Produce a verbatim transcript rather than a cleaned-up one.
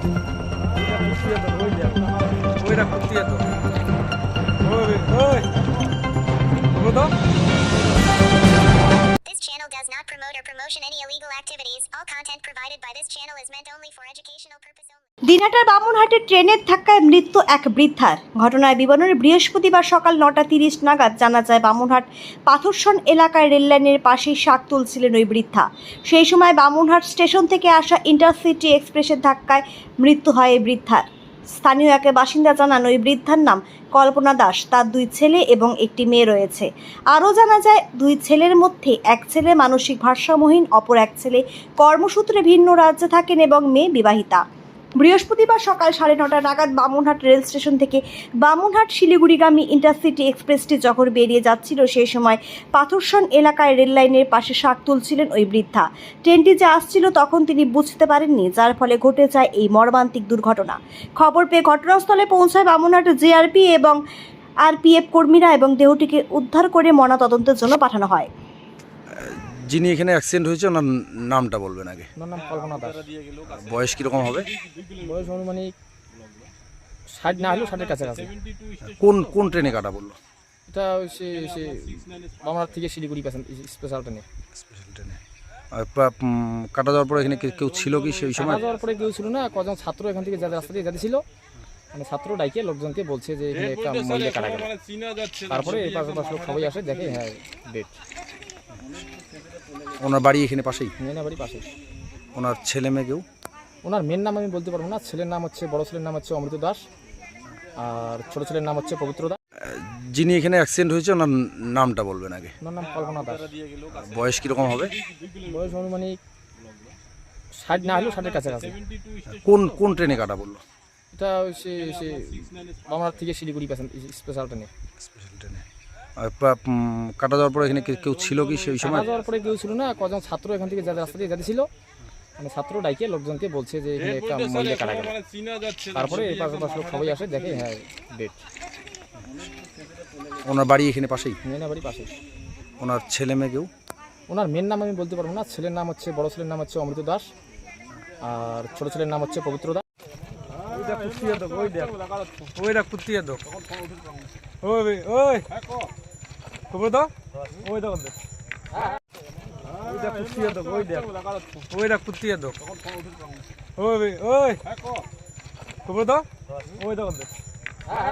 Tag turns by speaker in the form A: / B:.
A: ওইটা করতে তো ওই ওই বলো।
B: This channel does not promote or promotion any illegal activities. All content provided by this channel is meant only for educational purpose only.
C: দিনহাটার বামুনহাটে ট্রেনের ধাক্কায় মৃত্যু এক বৃদ্ধার। ঘটনার বিবরণে বৃহস্পতিবার সকাল নটা তিরিশ নাগাদ জানা যায় বামুনহাট পাথরসন এলাকায় রেললাইনের পাশেই শাক তুলছিলেন ওই বৃদ্ধা। সেই সময় বামুনহাট স্টেশন থেকে আসা ইন্টারসিটি এক্সপ্রেসের ধাক্কায় মৃত্যু হয় এই বৃদ্ধার। স্থানীয় এক বাসিন্দা জানান ওই বৃদ্ধার নাম কল্পনা দাস, তার দুই ছেলে এবং একটি মেয়ে রয়েছে। আরও জানা যায় দুই ছেলের মধ্যে এক ছেলে মানসিক ভারসাম্যহীন, অপর এক ছেলে কর্মসূত্রে ভিন্ন রাজ্যে থাকেন এবং মেয়ে বিবাহিতা। বৃহস্পতিবার সকাল সাড়ে নটা নাগাদ বামুনহাট রেল স্টেশন থেকে বামুনহাট শিলিগুড়িগামী ইন্টারসিটি এক্সপ্রেসটি যখন বেরিয়ে যাচ্ছিল সেই সময় পাথরসন এলাকায় রেল লাইনের পাশে শাক তুলছিলেন ওই বৃদ্ধা। ট্রেনটি যে আসছিল তখন তিনি বুঝতে পারেননি, যার ফলে ঘটে যায় এই মর্মান্তিক দুর্ঘটনা। খবর পেয়ে ঘটনাস্থলে পৌঁছায় বামুনহাট জেআরপি এবং আরপিএফ কর্মীরা এবং দেহটিকে উদ্ধার করে ময়নাতদন্তের জন্য পাঠানো হয়।
A: যিনি এখানে অ্যাক্সিডেন্ট হয়েছে ওনার নামটা বলবেন আগে।
D: ওনার নাম কল্পনা দাস।
A: বয়স কীরকম হবে?
D: বয়স অনুমানিক ষাট না হলেও ষাটের কাছাকাছি।
A: কোন কোন ট্রেনে কাটা বললো?
D: এটা ওই সে সে বামনার থেকে শিলিগুড়ি প্যাসেঞ্জার স্পেশাল ট্রেনে।
A: স্পেশাল ট্রেনে কাটা যাওয়ার পরে এখানে কেউ ছিল কি সেই সময়?
D: কাটা যাওয়ার পরে কেউ ছিল না, কজন ছাত্র এখান থেকে যাদের রাস্তা দিয়ে যাচ্ছিল, মানে ছাত্র ডাইকে লোকজনকে বলছে যে এখানে একটা মহিলা কাটা গেল। তারপরে এই পাশে পাশ লোক সবাই আসে, দেখে হ্যাঁ ডেট।
A: ওনার বাড়ি এখানে পাশেই?
D: মেয়ের বাড়ি পাশে।
A: ওনার ছেলে মেয়ে কেউ?
D: ওনার মেয়ের নাম আমি বলতে পারবো না। ছেলের নাম হচ্ছে, বড় ছেলের নাম হচ্ছে অমৃত দাস, আর ছোট ছেলের নাম হচ্ছে পবিত্র দাস।
A: যিনি এখানে অ্যাক্সিডেন্ট হয়েছে ওনার নামটা বলবেন আগে।
D: ওনার নাম কল্পনা দাস।
A: বয়স কীরকম হবে?
D: বয়স অনুমানিক ষাট না হলেও ষাটের কাছাকাছি।
A: কোন কোন ট্রেনে কাটা বললো?
D: এটা ওই সে সে বামনার থেকে শিলিগুড়ি প্যাসেঞ্জার স্পেশাল ট্রেনে।
A: স্পেশাল ট্রেনে কাটা যাওয়ার পরে এখানে কেউ ছিল কি সেই সময়?
D: কাটা যাওয়ার পরে কেউ ছিল না, কজন ছাত্র এখান থেকে যাদের রাস্তা দিয়ে যাচ্ছিল, মানে ছাত্র ডাইকে লোকজনকে বলছে যে এখানে একটা মহিলা কাটা গেল। তারপরে এই পাশে পাশ লোক সবাই আসে, দেখে হ্যাঁ ডেট।
A: ওনার বাড়ি এখানে পাশেই?
D: মেয়ের বাড়ি পাশে।
A: ওনার ছেলে মেয়ে কেউ?
D: ওনার মেয়ের নাম আমি বলতে পারবো না। ছেলের নাম হচ্ছে, বড় ছেলের নাম হচ্ছে অমৃত দাস, আর ছোট ছেলের নাম হচ্ছে পবিত্র দাস।
A: ওইটা কুত্তিয়ে দাও, ওই দেখ ওইটা কুত্তিয়ে দাও। ওই ওই খবর দাও, ওই দাও দেখ ওইটা কুত্তিয়ে দাও, ওই দেখ ওইটা কুত্তিয়ে দাও। ওই ওই খবর দাও, ওই দাও দেখ।